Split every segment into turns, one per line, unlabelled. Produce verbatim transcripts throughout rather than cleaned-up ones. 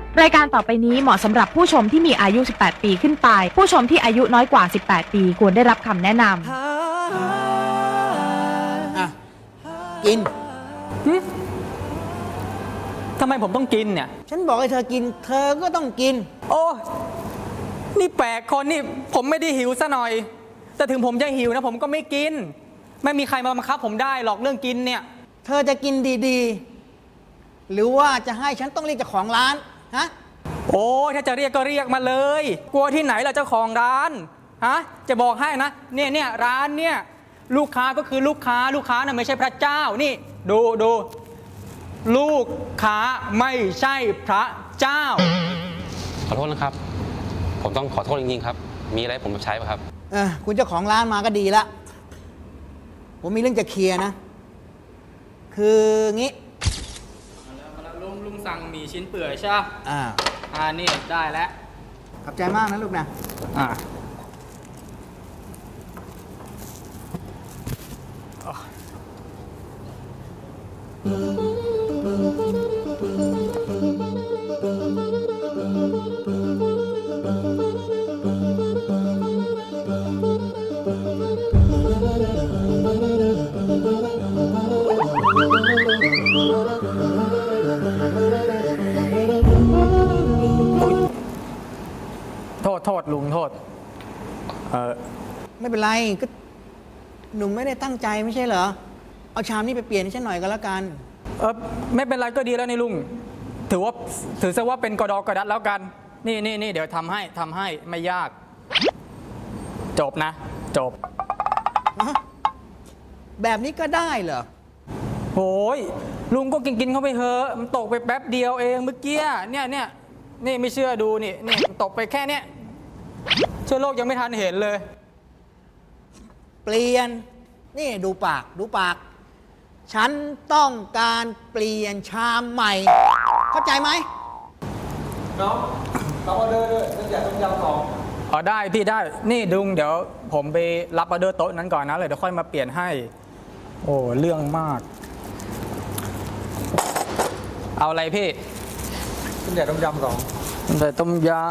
รายการต่อไปนี้เหมาะสำหรับผู้ชมที่มีอายุ สิบแปด ปีขึ้นไป ผู้ชมที่อายุน้อยกว่า สิบแปด ปีควรได้รับคำแนะนำ
อ่ะ กิน
ทำไมผมต้องกินเนี่ย
ฉันบอกให้เธอกิน เธอก็ต้องกิน
โอ้นี่แปลกคนนี่ผมไม่ได้หิวซะหน่อย แต่ถึงผมจะหิวนะผมก็ไม่กิน ไม่มีใครมาบังคับผมได้หรอกเรื่องกินเนี่ย
เธอจะกินดีๆ หรือว่าจะให้ฉันต้องเรียกเจ้าของร้าน ฮะ
โอ้ถ้าจะเรียกก็เรียกมาเลย กลัวที่ไหนล่ะเจ้าของร้านฮะจะบอกให้นะเนี่ยเนี่ยร้านเนี่ยลูกค้าก็คือลูกค้าลูกค้าน่ะไม่ใช่พระเจ้านี่ดูดูลูกค้าไม่ใช่พระเจ้า
ขอโทษนะครับ ผมต้องขอโทษจริงๆครับ มีอะไรผมใช้ป่ะครับ
เออคุณเจ้าของร้านมาก็ดีละผมมีเรื่องจะเคลียร์นะ คืองี้
มาแล้วลุงลุงสั่งหมี่ชิ้นเปื่อยใช่ไหม
อ่า
อ่านี่ได้แล้ว
ขอบใจมากนะลูกนะ
อ่าโทษโทษลุงโทษเออ
ไม่เป็นไรก็หนุ่มไม่ได้ตั้งใจไม่ใช่เหรอ เอาชามนี้ไปเปลี่ยนให้ฉันหน่อยก็แล้วกัน
เออไม่เป็นไรก็ดีแล้วนี่ลุงถือว่าถือซะว่าเป็นกระดอกกระดัดแล้วกันนี่นี่นี่เดี๋ยวทำให้ทำให้ไม่ยาก จบนะ จบ
แบบนี้ก็ได้เหรอ
โอ้ยลุงก็กินกินเข้าไปเถอะมันตกไปแป๊บเดียวเองเมื่อกี้เนี่ยเนี่ยนี่ไม่เชื่อดูนี่นี่มันตกไปแค่เนี้ยเชื้อโรคยังไม่ทันเห็นเลย
เปลี่ยน นี่ดูปากดูปาก ฉันต้องการเปลี่ยนชามใหม่ เข้าใจไหม
อ๋อได้พี่ได้นี่ดุงเดี๋ยวผมไปรับออเดอร์โต๊ะนั้นก่อนนะเลยเดี๋ยวค่อยมาเปลี่ยนให้โอ้เรื่องมาก เอาอะไรพี่ต้มยำต้มยำสองแต่ต้มย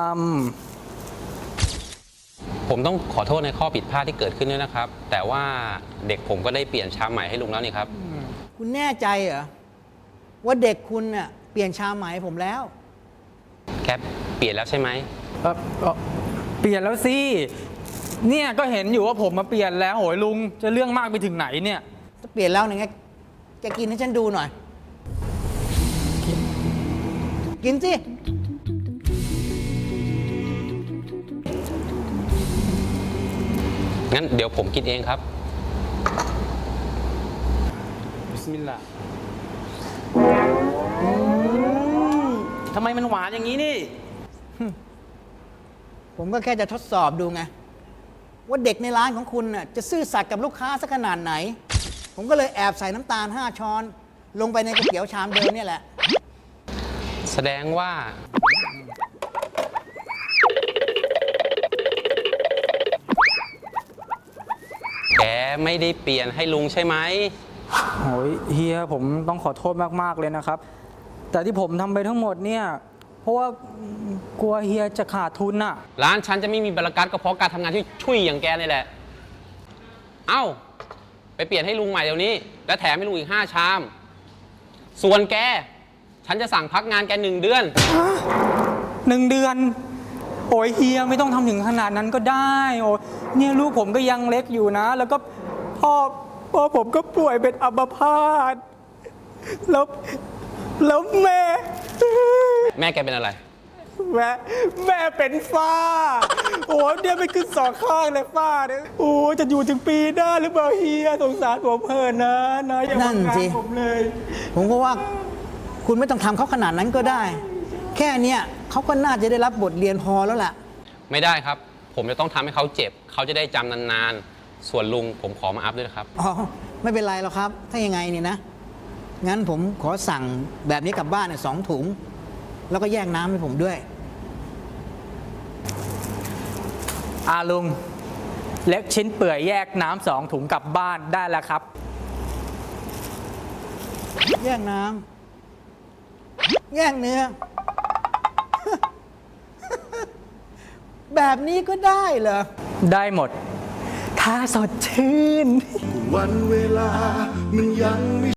ผมต้องขอโทษในข้อผิดพลาดที่เกิดขึ้นด้วยนะครับ แต่ว่าเด็กผมก็ได้เปลี่ยนชามใหม่ให้ลุงแล้วนี่ครับ
คุณแน่ใจเหรอว่าเด็กคุณเน่ะเปลี่ยนชามใหม่ให้ผมแล้ว
แคปเปลี่ยนแล้วใช่ไหม
ำเอ่อเอ่อเปลี่ยนแล้วสิเนี่ยก็เห็นอยู่ว่าผมมาเปลี่ยนแล้วโหยลุงจะเรื่องมากไปถึงไหนเนี่ย
ถ้าเปลี่ยนแล้วเนี่ยไงจะกินให้ฉันดูหน่อย กินสิ
งั้นเดี๋ยวผมกินเองครับ
บิสมิลลาห์ทำไมมันหวานอย่างนี้นี่
ผมก็แค่จะทดสอบดูไง ว่าเด็กในร้านของคุณน่ะจะซื่อสัตย์กับลูกค้าสักขนาดไหน ผมก็เลยแอบใส่น้ำตาลห้าช้อน ลงไปในก๋วยเตี๋ยวชามเดิมเนี่ยแหละ
แสดงว่า แกไม่ได้เปลี่ยนให้ลุงใช่ไหม
โอ้ยเฮียผมต้องขอโทษมากๆเลยนะครับ แต่ที่ผมทำไปทั้งหมดเนี่ยเพราะว่ากลัวเฮียจะขาดทุนน่ะ
ร้านฉันจะไม่มีบรรยากาศก็เพราะการทำงานที่ช่วยอย่างแกนี่แหละ เอ้า ไปเปลี่ยนให้ลุงใหม่เดี๋ยวนี้ และแถมให้ลุงอีกห้าชาม ส่วนแก ฉันจะสั่งพักงานแกหนึ่งเดือน
หนึ่งเดือน โอ้ยเฮียไม่ต้องทำถึงขนาดนั้นก็ได้โอ้ยเนี่ยลูกผมก็ยังเล็กอยู่นะ แล้วก็พ่อพ่อผมก็ป่วยเป็นอัมพาตแล้วแล้วแม่
แม่แกเป็นอะไร
แม่แม่เป็นฝ้าโอ้เนี่ยไม่ขึ้นสองข้างเลยฝ้าเนี่ยโอ้จะอยู่ถึงปีหน้าหรือเปล่าเฮียสงสารผมเพิ่นนะนะอย่า
นั่
มาน งา
สิ
นผมเลย
ผมก็ว่าคุณไม่ต้องทำเขาขนาดนั้นก็ได้ แค่เนี้ยเขาก็น่าจะได้รับบทเรียนพอแล้วล่ะ
ไม่ได้ครับ ผมจะต้องทำให้เขาเจ็บ เขาจะได้จำนานๆ ส่วนลุงผมขอมาอัพด้วยนะครับ
อ๋อ ไม่เป็นไรหรอกครับ ถ้ายังไงเนี่ยนะ งั้นผมขอสั่งแบบนี้กลับบ้านเนี่ยสองถุง แล้วก็แยกน้ำให้ผมด้วย
อาลุงเล็กชิ้นเปื่อยแยกน้ำสองถุงกลับบ้านได้แล้วครับ
แยกน้ำแยกเนื้อแบบนี้ก็ได้เหรอ
ได้หมด ถ้าสดชื่น
วันเวลามันยังไม่